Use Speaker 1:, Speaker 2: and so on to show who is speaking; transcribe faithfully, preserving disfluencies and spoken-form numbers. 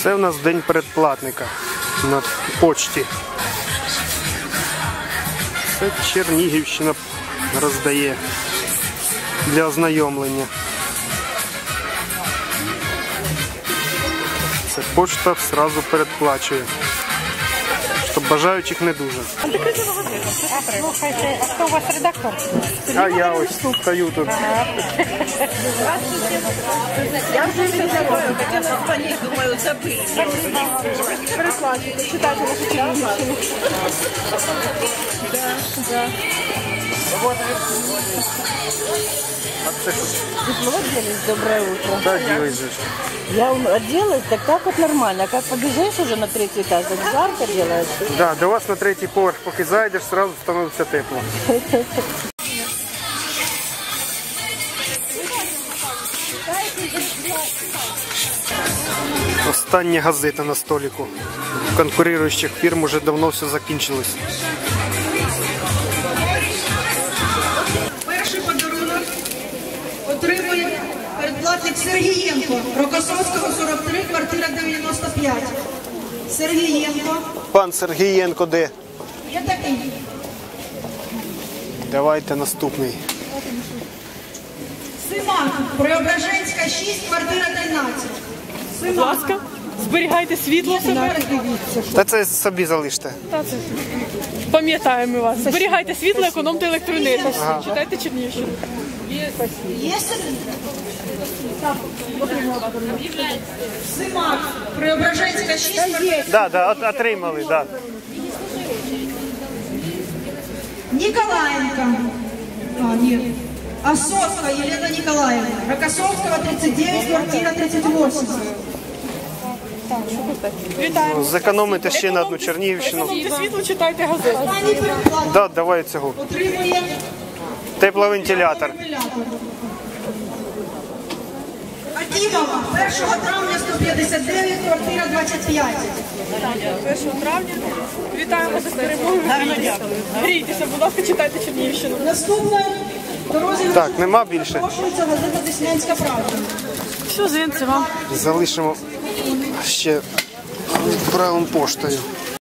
Speaker 1: Це у нас день передплатника на почті. Це Чернігівщина роздає для ознайомлення. Це почта одразу передплачує, щоб бажаючих не дуже.
Speaker 2: Слухайте, а хто у вас редактор?
Speaker 1: А я ось стою тут.
Speaker 2: Я вже все забула, хотіла звонити, думаю, забили. Переплачуйте, читайте нашу Чернігівщину. Да, да. Вы оделись, доброе утро.
Speaker 1: Да, делаешь же.
Speaker 2: Я оделась, так так вот нормально. Как побежишь уже на третий этаж, так жарко делаешь.
Speaker 1: Да, до вас на третій поверх, поки зайдеш, сразу становиться тепло. Остання газета на столику. У конкуруючих фірм уже давно все закінчилось.
Speaker 3: Перший подарунок отримує передплатник Сергієнко, Рокосовського, сорок три, квартира дев'яносто п'ять. Сергієнко.
Speaker 1: Пан Сергієнко де?
Speaker 3: Є такий.
Speaker 1: Давайте наступний.
Speaker 3: Симак, Преображенська, шість, квартира тринадцять.
Speaker 4: Будь ласка, зберігайте світло себе.
Speaker 1: Та це собі залиште.
Speaker 4: Та це пам'ятаємо вас. Зберігайте світло, економте електроенергію.
Speaker 1: Ага.
Speaker 4: Читайте Чернігівщину.
Speaker 3: Є Симак, Преображенська, шість, квартира.
Speaker 1: Да, да, от, отримали, да.
Speaker 3: Николаенко. А, нет. Осовская Елена Николаевна. Рокоссовского, тридцать девять, квартира тридцать восемь.
Speaker 4: Вітаємо.
Speaker 1: Зекономите ще на одну Чернігівщину.
Speaker 4: Економте світло, читайте газету.
Speaker 3: Останній переплат
Speaker 1: Да, давай цього.
Speaker 3: отримує
Speaker 1: Тепловентилятор.
Speaker 3: вентилятор. Акімова, першого травня, сто п'ятдесят дев'ять, квартира двадцять п'ять.
Speaker 4: першого травня. Вітаємо за перемогою. Грійтеся, будь ласка, читайте Чернігівщину.
Speaker 3: Наступна дорозі
Speaker 1: Так, нема більше.
Speaker 3: запрошується газета «Деснянська правда».
Speaker 4: Що, зинці вам?
Speaker 1: Залишимо ще правим поштою.